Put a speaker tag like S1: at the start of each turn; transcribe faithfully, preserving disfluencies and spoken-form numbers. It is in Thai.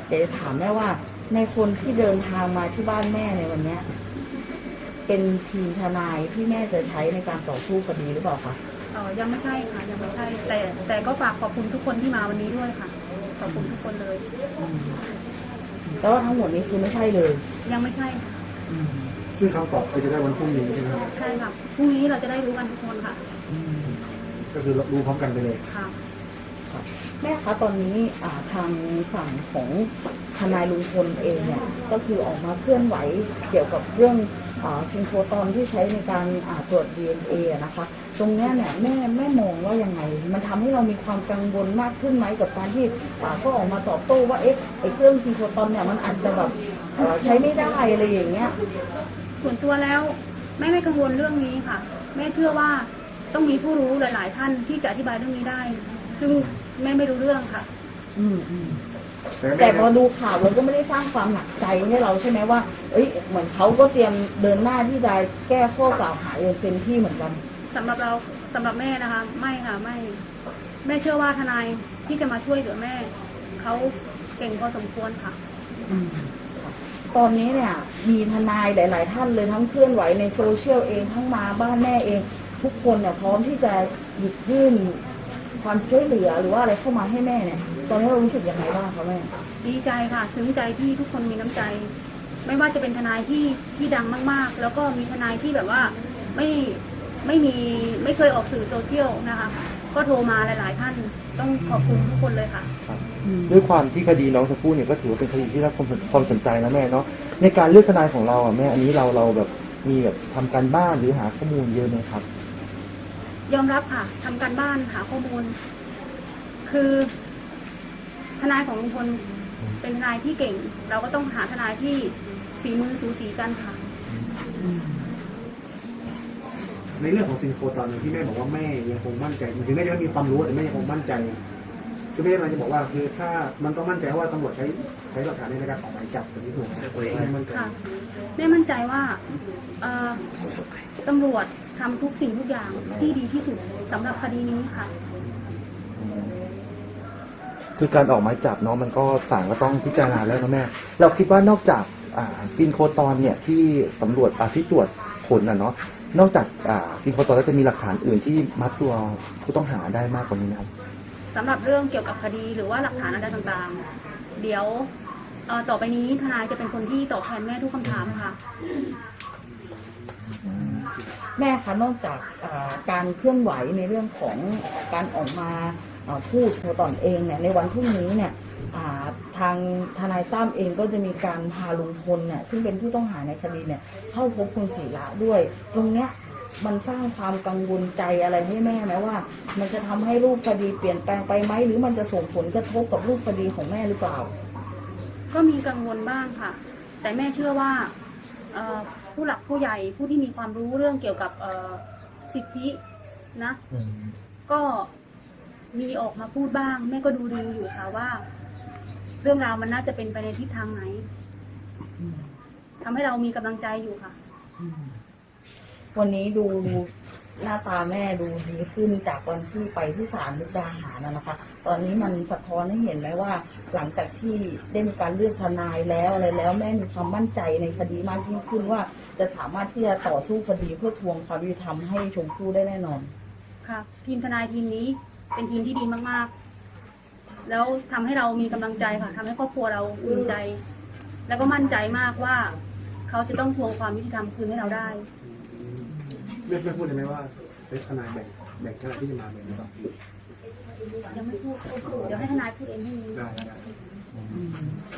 S1: เดี๋ยวถามแม่ว่าในคนที่เดินทางมาที่บ้านแม่ในวันเนี้ยเป็นทีมทนายที่แม่จะใช้ในการต่อสู้คดีหรือเปล่าคะ
S2: เออยังไม่ใช่ค่ะยังไม่ใช่แต่แต่ก็ฝากขอบคุณทุกคนที่มาวันนี้ด้วยค่ะขอบคุณทุกคนเลย
S1: แต่ว่าทั้งหมดนี้คือไม่ใช่เลย
S2: ยังไม่ใช่ค่ะ
S3: ซึ่งคำตอบก็จะได้วันพรุ่งนี้ใช่ไหมครับ
S2: ใช่ค่ะพรุ่งนี้เราจะได้รู้กันทุกคนค่ะ
S3: ก็คือรู้พร้อมกันไปเลย
S2: ค่ะ
S1: แม่คะตอนนี้ทางฝั่งของทนายลุงพลเองเนี่ยก็คือออกมาเคลื่อนไหวเกี่ยวกับเรื่องซิงโครตอนที่ใช้ในการตรวจ ดี เอ็น เอ นะคะตรงนี้เนี่ยแม่แม่มองว่ายังไงมันทำให้เรามีความกังวลมากขึ้นไหมกับการที่ก็ออกมาตอบโต้ว่าเอ๊ะไอ้เครื่องซิงโครตอนเนี่ยมันอาจจะแบบใช้ไม่ได้อะไรอย่างเงี้ย
S2: ส่วนตัวแล้วแม่ไม่กังวลเรื่องนี้ค่ะแม่เชื่อว่าต้องมีผู้รู้หลายๆท่านที่จะอธิบายเรื่องนี้ได้ซึ่งแม่ไม่รู้เรื่องค่ะ
S1: อืมอืมแต่พอดูข่าวเราก็ไม่ได้สร้างความหนักใจให้เราใช่ไหมว่าเอ้ยเหมือนเขาก็เตรียมเดินหน้าที่จะแก้ข้อกล่าวหาอย่างเต็มที่เหมือนกัน
S2: สำหรับเราสำหรับแม่นะคะไม่ค่ะไม่แม่เชื่อว่าทนายที่จะมาช่วยเหลือแม่เขาเก่งพอสมควรค่ะ
S1: ตอนนี้เนี่ยมีทนายหลายๆท่านเลยทั้งเคลื่อนไหวในโซเชียลเองทั้งมาบ้านแม่เองทุกคนเนี่ยพร้อมที่จะหยิบยื่นความช่วยเหลือหรือว่าอะไรเข้ามาให้แม่เนี่ยตอนนี้เรารู้สึกยังไงบ้างคะแม่
S2: ดีใจค่ะซึ้งใจที่ทุกคนมีน้ำใจไม่ว่าจะเป็นทนายที่ที่ดังมากๆแล้วก็มีทนายที่แบบว่าไม่ไม่มีไม่เคยออกสื่อโซเชียลนะคะก็โทรมาหลายๆท่านต้องขอบคุณทุกคนเลยค่ะ
S4: ด้วยความที่คดีน้องชมพู่เนี่ยก็ถือว่าเป็นคดีที่รับความสนใจนะแม่เนาะในการเลือกทนายของเราอ่ะแม่อันนี้เราเราแบบมีแบบทำการบ้านหรือหาข้อมูลเยอะไหมครับ
S2: ยอมรับค่ะทำการบ้านหาข้อมูลคือทนายของลุงพลเป็นทนายที่เก่งเราก็ต้องหาทนายที่ฝีมือสูสีกันค่ะ
S3: ในเรื่องของซิงโครตอนที่แม่บอกว่าแม่ยังคงมั่นใจถึงแม่จะไม่มีความรู้แต่แม่ยังคงมั่นใจคือแม่กำลังจะบอกว่าคือถ้ามันต้องมั่นใจว่าตำรวจใช้ใช้หลักฐานในการออกหมายจับแบบนี้ถูกไหมแม่มั่นใจ
S2: แม่มั่นใจว่าตำรวจทำทุกสิ่งทุกอย่างที่ดีที่สุดสำหรับคดีนี้ค่ะ
S4: คือการออกหมายจับเนาะมันก็ศาลก็ต้องพิจารณาแล้วนะแม่เราคิดว่านอกจากซินโครตอนเนี่ยที่ตำรวจที่ตรวจผลนะเนาะนอกจากซินโครตอนแล้วจะมีหลักฐานอื่นที่มัดตัวผู้ต้องหาได้มากกว่านี้นะครับ
S2: สำหรับเรื่องเกี่ยวกับคดีหรือว่าหลักฐานอะไรต่างๆเดี๋ยวต่อไปนี้ทนายจะเป็นคนที่ตอบแทนแม่ทุกคำถามค่ะ
S1: แม่คะนอกจากการเคลื่อนไหวในเรื่องของการออกมาพูดตนเองเนี่ยในวันพรุ่งนี้เนี่ยทางทนายตั้มเองก็จะมีการพาลุงพลเนี่ยซึ่งเป็นผู้ต้องหาในคดีเนี่ยเข้าพบคุณศิระด้วยตรงเนี้ยมันสร้างความกังวลใจอะไรให้แม่ไหมว่ามันจะทำให้รูปคดีเปลี่ยนแปลงไปไหมหรือมันจะส่งผลกระทบกับรูปคดีของแม่หรือเปล่า
S2: ก็มีกังวลบ้างค่ะแต่แม่เชื่อว่าผู้หลักผู้ใหญ่ผู้ที่มีความรู้เรื่องเกี่ยวกับสิทธินะก็มีออกมาพูดบ้างแม่ก็ดูดูอยู่ค่ะว่าเรื่องราวมันน่าจะเป็นไปในทิศทางไหนทำให้เรามีกำลังใจอยู่ค่ะ
S1: วันนี้ดูหน้าตาแม่ดูดีขึ้นจากวันที่ไปที่ศาลมุกดาหารนะคะตอนนี้มันสะท้อนให้เห็นไหมว่าหลังจากที่ได้มีการเลือกทนายแล้วอะไรแล้วแม่มีความมั่นใจในคดีมากยิ่งขึ้นว่าจะสามารถที่จะต่อสู้คดีเพื่อทวงความยุติธรรมให้ชมพู่ได้แน่นอน
S2: ค่ะทีมทนายทีมนี้เป็นทีมที่ดีมากๆแล้วทำให้เรามีกำลังใจค่ะทำให้ครอบครัวเราอุ่นใจแล้วก็มั่นใจมากว่าเขาจะต้องทวงความยุติธรรมคืนให้เราได้
S3: ไม่ไม่พูดเลยไหมว่าเป็นทนายแบ่งแบ่งทนายที่จะมาแบ่งหรือเปล่า
S2: ยังไม่พูดเดี๋ยวให้ทนายพูดเองให้ได้